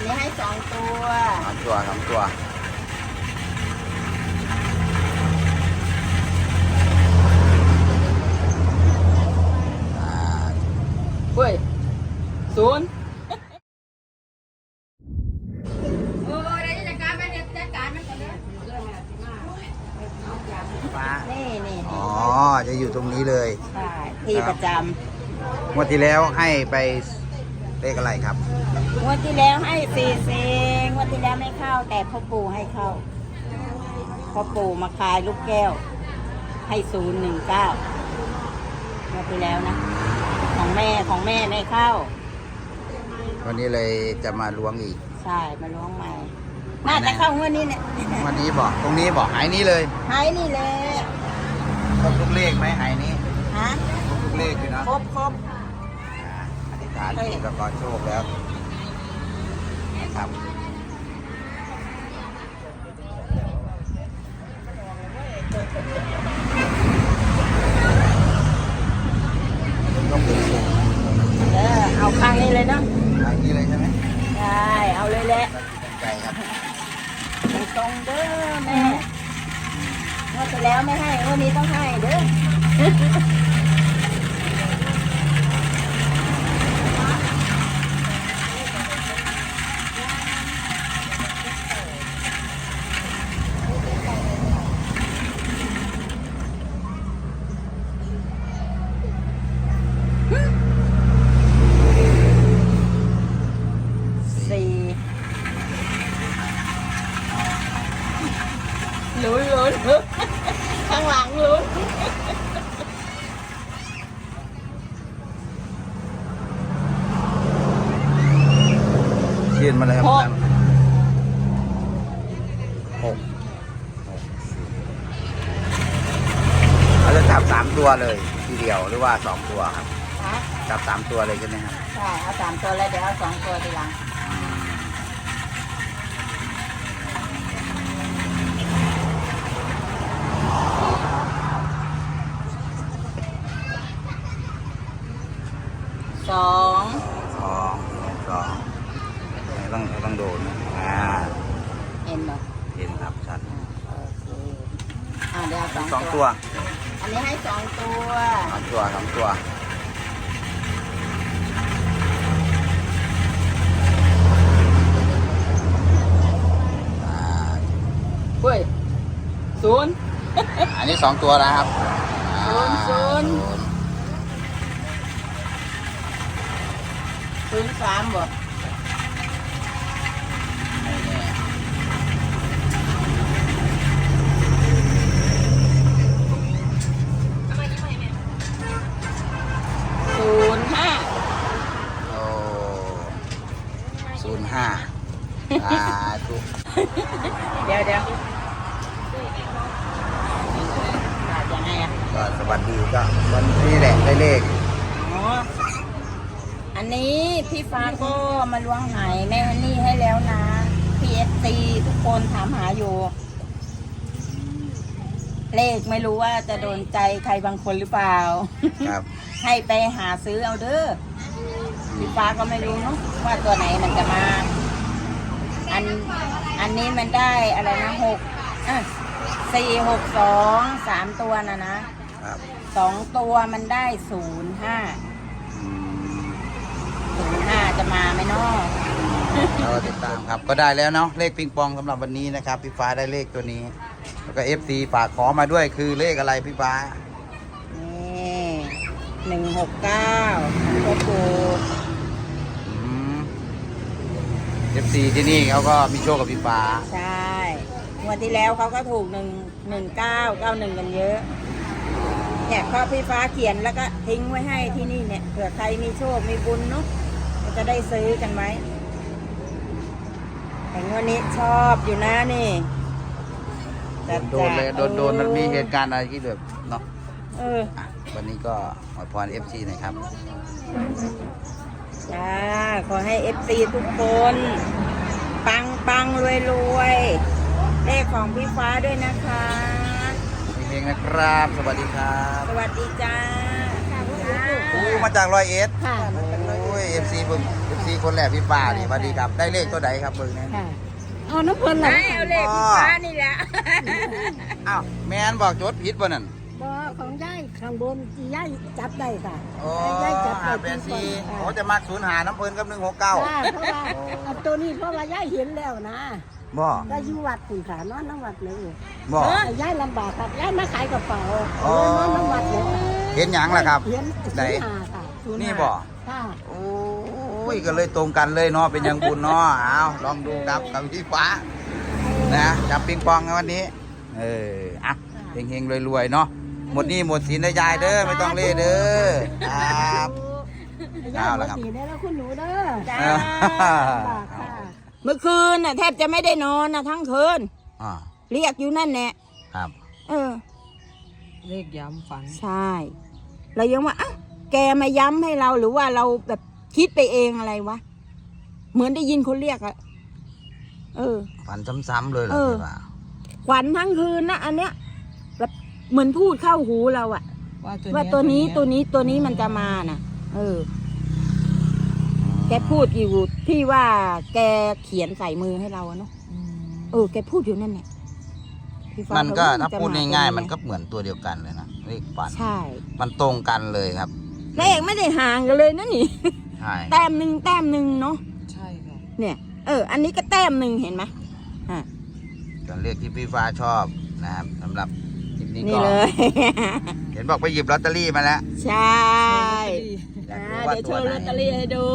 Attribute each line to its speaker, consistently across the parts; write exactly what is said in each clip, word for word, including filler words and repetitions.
Speaker 1: นี้ให้สองตัว
Speaker 2: สามตัวสามตัว
Speaker 1: เฮ้ยศูนย์โอ้ยจัดการไปเนี่ยจัดการมันกันเลยนี่นี่
Speaker 2: อ๋อจะอยู่ตรงนี้เลย
Speaker 1: ใช่ที่ประจ
Speaker 2: ำงวดที่แล้วให้ไปเลขอะไรครับ
Speaker 1: ำงวดที่แล้วให้สี่เซงงวดที่แล้วไม่เข้าแต่พ่อปู่ให้เข้าพ่อปู่มาคายลูกแก้วให้ศูนย์หนึ่งเก้างวดที่แล้วนะของแม่ของแม่ไม่เข้า
Speaker 2: วันนี้เลยจะมาล้วงอีก
Speaker 1: ใช่มาล้วงใหม่น่าจะเข้างวดนี้เนี่ย
Speaker 2: วันนี้บอกตรงนี้บอกหายนี้เลย
Speaker 1: หายนี่เลย
Speaker 2: ครบทุกเลขไหมหายนี้
Speaker 1: ฮะ
Speaker 2: ครบทุกเลขอยู่นะ
Speaker 1: ครบครบ
Speaker 2: อธิษฐานที่ประกอบโชคแล้วนะครับต้องเป็นสูง
Speaker 1: เออเอาข้างนี้เลยเนาะ
Speaker 2: หายนี้เลยใช่ไหม
Speaker 1: ใช่เอาเลยแหละ
Speaker 2: ใจครับ
Speaker 1: ตรงเด้อแม่เมื่อที่แล้วไม่ให้วันนี้ต้องให้เด้อลุ้นลุ้นข้างหลังลุ้น
Speaker 2: ยืนมาเลยครับหกเราจะจับสามตัวเลยทีเดียวหรือว่าสองตัวครับจับสามตัวเลยใช่ไหมครับ
Speaker 1: ใช่เอาสามตัวแล้วเดี๋ยวเอาสองตัวทีหลังสอง
Speaker 2: สองสองต้องต้องโดนนะอ่า
Speaker 1: เห็นไหม
Speaker 2: เห็นครับชัด
Speaker 1: โอเคอ่าเดี๋ยว
Speaker 2: สองตัว
Speaker 1: อันนี้ให้สองตัว
Speaker 2: สองตัวสองตัว
Speaker 1: เฮ้ยศูนย์
Speaker 2: อันนี้สองตัวนะครับ
Speaker 1: ศูนย์ศูนย์ศูนย์สามบ่ศูนย์ห้า
Speaker 2: โอ้ศูนย์ห้าอ่าถูก
Speaker 1: เดี๋ยวเดี๋ยวยังไงอ่ะ
Speaker 2: ก็สวัสดีก็วันนี้แหละได้เลข
Speaker 1: อ๋ออันนี้พี่ฟ้าก็มาล้วงหายแม่ฮันนี่ให้แล้วนะพีเอสซีทุกคนถามหาอยู่เลขไม่รู้ว่าจะโดนใจใครบางคนหรือเปล่า
Speaker 2: ครับ
Speaker 1: ให้ไปหาซื้อเอาเด้อพี่ฟ้าก็ไม่รู้เนาะว่าตัวไหนมันจะมาอันอันนี้มันได้อะไรนะหกอ่ะสี่หกสองสามตัวนะนะสองตัวมันได้ศูนย์ห้าศูนย์ห้าจะมาไหมเนาะ
Speaker 2: เราติดตามครับก็ได้แล้วเนาะเลขปิงปองสำหรับวันนี้นะครับพี่ฟ้าได้เลขตัวนี้แล้วก็เอฟซีฝากขอมาด้วยคือเลขอะไรพี่ฟ้า
Speaker 1: นี่หนึ่งหกเก้าพ่อปู่
Speaker 2: เอฟซีที่นี่เขาก็มีโชคกับพี่ฟ้า
Speaker 1: ใช่วันที่แล้วเขาก็ถูกหนึ่งหนึ่งเก้าเก้าหนึ่งกันเยอะเนี่ยข้อพี่ฟ้าเขียนแล้วก็ทิ้งไว้ให้ที่นี่เนี่ยเผื่อใครมีโชคมีบุญเนาะจะได้ซื้อกันไหมแต่วันนี้ชอบอยู่นะนี่
Speaker 2: โดนเลยโดนโดนมันมีเหตุการณ์อะไรที่แบบเนาะ
Speaker 1: เออ
Speaker 2: วันนี้ก็ขอพรเอฟซีหน่อยครับ
Speaker 1: จ้าขอให้เอฟซีทุกคนปังปังรวยรวยเลขของพี่ฟ้าด้วยนะคะ
Speaker 2: เองนะครับสวัสดีครับ
Speaker 1: สวัสดีจ้า
Speaker 2: โอ้มาจากร้อยเอ็ด
Speaker 1: ค่ะ
Speaker 2: โอ้ยเอฟซีเบิ่งเอฟซีคนแรกพี่ฟ้านี่สวัสดีครับได้เลขตัวใดครับเบิ่งเนี่ย
Speaker 3: ค่ะเอาน้ำเพลินเหรอ
Speaker 1: ไม่เอาเลขพี่ฟ้านี่แหละ
Speaker 2: อ้าวแม่นบอกจดผิดป่ะนั่น
Speaker 3: บ่ของย่ายข้างบนที่ย่ายจับได้ค่ะ
Speaker 2: โอ้
Speaker 3: ย่ายจับได้
Speaker 2: ห้าแปดสี่เขาจะมักศูนย์หาน้ำเพิ่นกับหนึ่งหกเก้า
Speaker 3: ค่ะเพราะว่าเอาตัวนี้เพราะว่าย่ายเห็นแล้วนะ
Speaker 2: บ่
Speaker 3: ก็อยู่วัดคุณค่ะนอนน้ำวัดเลย
Speaker 2: บ่
Speaker 3: แต่ย่ายลำบากครับย่ายมาขายกระเป๋า
Speaker 2: อ๋อ
Speaker 3: นอนน้ำวัดเลยค่ะ
Speaker 2: เห็นหยังล่ะครับ
Speaker 3: เห็น
Speaker 2: ไหน
Speaker 3: ศูนย์ห้าค่ะศูย์ห้า
Speaker 2: นี่บ่
Speaker 3: ค่ะ
Speaker 2: โอ้ยก็เลยตรงกันเลยเนาะเป็นยังบุญเนาะเอาลองดูครับกับพี่ฟ้านะจับปิงปองกันวันนี้ เอออ่ะเฮงๆรวยๆเนาะหมดหนี้หมดสินนะยายเด้อไม่ต้องเล่เด้อครับ
Speaker 3: ย่าย
Speaker 2: เอา
Speaker 3: หม
Speaker 2: ละ
Speaker 3: ด
Speaker 2: ครับ
Speaker 3: สีได้แล้วคุณหนูเด้อ
Speaker 1: จ้า
Speaker 3: ลำบากค่ะ
Speaker 1: เมื่อคืนน่ะแทบจะไม่ได้นอนนะทั้งคืน
Speaker 2: อ่า
Speaker 1: เรียกอยู่นั่นแหละ
Speaker 2: ครับ
Speaker 1: เออ
Speaker 4: เลขย้ำฝัน
Speaker 1: ใช่เรายังว่าอ่ะแกมาย้ำให้เราหรือว่าเราแบบคิดไปเองอะไรวะเหมือนได้ยินคนเรียกอะเออ
Speaker 2: ฝันซ้ำๆเลยเหรอ
Speaker 1: เออ
Speaker 2: พี่ฟ้า
Speaker 1: ขวัญทั้งคืนนะอันเนี้ยแบบเหมือนพูดเข้าหูเราอะ
Speaker 4: ว่าตัว
Speaker 1: ว่าตัวนี้ตัวนี้ตัวนี้มันจะมาน่ะ เออ แกพูดอยู่ที่ว่าแกเขียนใส่มือให้เราอะเนาะ
Speaker 4: อืม
Speaker 1: เออแกพูดอยู่นั่นแหละพี่ฟ้า
Speaker 2: มันก็
Speaker 1: ว่
Speaker 2: ถ้า
Speaker 1: จะ
Speaker 2: พูด
Speaker 1: ตรง
Speaker 2: ง่ายๆ
Speaker 1: ไห
Speaker 2: มันก็เหมือนตัวเดียวกันเลยนะเลขฝัน
Speaker 1: ใช่
Speaker 2: มันตรงกันเลยครับ
Speaker 1: เลขไม่ได้ห่างกันเลยนะนี่
Speaker 2: ใช่
Speaker 1: แต้มหนึ่งแต้มหนึ่งเนาะ
Speaker 4: ใช่ค่ะ
Speaker 1: เนี่ย เออ อันนี้ก็แต้มหนึ่งเห็นไหมอ่ะ
Speaker 2: ส่วนเลขที่พี่ฟ้าชอบนะครับสำหรับคลิปนี้
Speaker 1: นี่
Speaker 2: ก็
Speaker 1: เลย
Speaker 2: เห็นบอกไปหยิบลอตเตอรี่มาแล้ว
Speaker 1: ใช่
Speaker 2: อยาก
Speaker 1: อ่า
Speaker 2: รู้ว่า
Speaker 1: เดี๋ยวโช
Speaker 2: ตัว
Speaker 1: ว์
Speaker 2: ไหน
Speaker 1: ลอตเตอรี่ให้ดู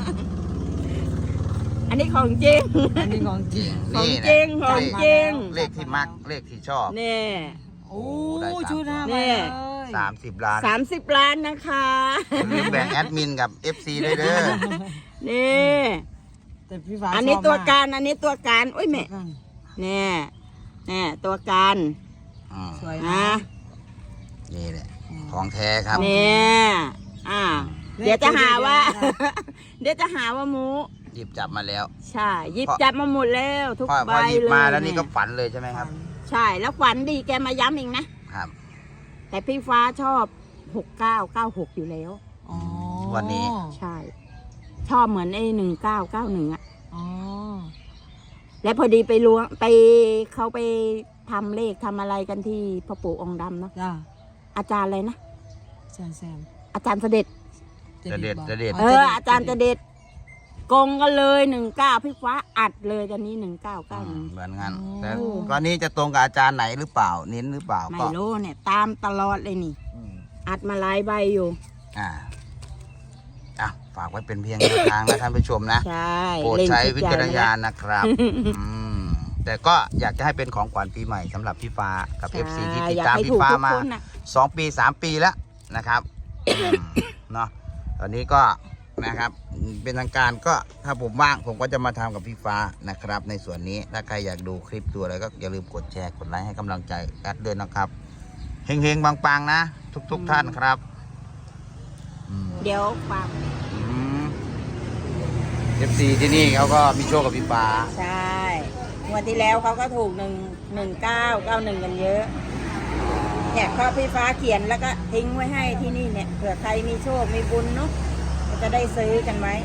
Speaker 1: อันนี้ของจริง
Speaker 4: อันนี้ของจริง
Speaker 1: ของ
Speaker 2: นี่
Speaker 1: จริง
Speaker 2: นะ
Speaker 1: ของจริง
Speaker 2: เลขที่มักเลขที่ชอบ
Speaker 1: นี่
Speaker 4: โอ้
Speaker 2: ได้สาม
Speaker 4: ชุดหน้า
Speaker 1: เนี่
Speaker 4: มาย เลย
Speaker 2: สามสิบล้าน
Speaker 1: สามสิบล้านนะคะ
Speaker 2: อย่าลืมแบ่งแอดมินกับ เอฟ ซี ด้วยเด้อ
Speaker 1: นี่
Speaker 4: แต่พี่ฟ้า
Speaker 1: อันนี้
Speaker 4: ชบ
Speaker 1: ตัว
Speaker 4: ม
Speaker 1: การ อันนี้ตัวการโอ้ยแม่
Speaker 4: ตัวการ
Speaker 1: เนี่ยเนี่ยตัวการ
Speaker 2: อืม
Speaker 4: สวย
Speaker 1: นะ
Speaker 4: นะ
Speaker 2: นี่แหละ ของแท้ครับ
Speaker 1: เนี่ยอ่า
Speaker 4: เลข
Speaker 1: เดี๋ยวจะหาว่า
Speaker 4: ตัวเดียวนะคะ
Speaker 1: เดี๋ยวจะหาว่าหมู
Speaker 2: หยิบจับมาแล้ว
Speaker 1: ใช่หยิบ
Speaker 2: พอ
Speaker 1: จับมาหมดแล้วทุก
Speaker 2: พอ
Speaker 1: ใบ
Speaker 2: พอหยิบ
Speaker 1: เลย
Speaker 2: มาแล้วนี่ก็
Speaker 1: เย
Speaker 2: ฝันเลยใช่ไหมครับ
Speaker 1: ใช่แล้วฝันดีแกมาย้ำเองนะ
Speaker 2: ครับ
Speaker 1: แต่พี่ฟ้าชอบหกเก้าเก้าหกอยู่แล้ว
Speaker 4: อ๋อ
Speaker 2: วันนี้
Speaker 1: ใช่ ชอบเหมือนไอ้หนึ่งเก้าเก้าหนึ่งอะ
Speaker 4: อ๋อ
Speaker 1: และพอดีไปล้วงไปเขาไปทำเลขทำอะไรกันที่พ่อปู่องค์ดำเนาะ
Speaker 4: จ้า
Speaker 1: อาจารย์อะไรนะ
Speaker 4: แซมแซม
Speaker 1: อาจารย์เสด็จ
Speaker 2: จะเด็ดจะเด็ด
Speaker 1: เออ อาจารย์เสด็จกงกันเลยหนึ่งเก้าพี่ฟ้าอัดเลยตอนนี้หนึ่งเก้าเก้าหนึ่ง
Speaker 2: เหมือนกันแต่ตอนนี้จะตรงกับอาจารย์ไหนหรือเปล่า เน้นหรือเปล่า
Speaker 1: ไม่
Speaker 2: ก็
Speaker 1: รู้เนี่ย ตามตลอดเลยนี่
Speaker 2: อืม
Speaker 1: อัดมาหลายใบอยู่
Speaker 2: อ่าอ่ะฝากไว้เป็นเพียงแนวทางนะท่านผู้ชมนะ
Speaker 1: ใช่
Speaker 2: โปรด
Speaker 1: เล่น
Speaker 2: ใช้
Speaker 1: ทุก
Speaker 2: วิ
Speaker 1: อย่
Speaker 2: จารณ
Speaker 1: ง
Speaker 2: ญาณนะครับ อืมแต่ก็อยากจะให้เป็นของขวัญปีใหม่สำหรับพี่ฟ้ากับ เอฟ ซี ที่ติด
Speaker 1: อยก
Speaker 2: ตาม
Speaker 1: ให้
Speaker 2: พี่
Speaker 1: ถูก
Speaker 2: ฟ้า
Speaker 1: ทุก
Speaker 2: มา
Speaker 1: คนน่ะ
Speaker 2: สองปีสามปีแล้วนะครับอืมเนาะตอนนี้ก็นะครับเป็นทางการก็ถ้าผมว่างผมก็จะมาทำกับพี่ฟ้านะครับ ในส่วนนี้ถ้าใครอยากดูคลิปดูอะไรก็อย่าลืมกดแชร์กดไลค์ให้กำลังใจแอดด้วยนะครับเฮงๆปังๆนะ ทุกๆท่านครับอืม
Speaker 1: เดี๋ยวฟัง
Speaker 2: เอฟซีที่นี่เขาก็มีโชคกับพี่ฟ้า
Speaker 1: ใช่งวันที่แล้วเขาก็ถูกหนึ่งหนึ่งเก้าเก้าหนึ่งกันเยอะเนี่ยก็พี่ฟ้าเขียนแล้วก็ทิ้งไว้ให้ที่นี่เนี่ยเผื่อใครมีโชคมีบุญเนาะก็จะได้ซื้อกันไว้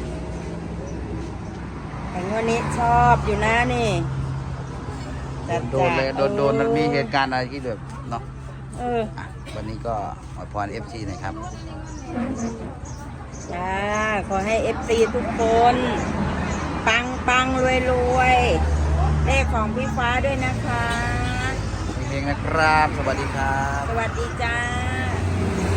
Speaker 1: แต่งวันนี้ชอบอยู่นะนี่แต่
Speaker 2: โดนเลยโดนโดนมันมีเหตุการณ์อะไรที่แบบเนาะ
Speaker 1: เออ
Speaker 2: อ่ะวันนี้ก็อวยพรเอฟซีหน่อยครับ
Speaker 1: จ้าขอให้เอฟซีทุกคน ปังปังรวยรวยเลขของพี่ฟ้าด้วยนะคะ
Speaker 2: เฮงๆนะครับ สวัสดีครับ
Speaker 1: สวัสดีจ้า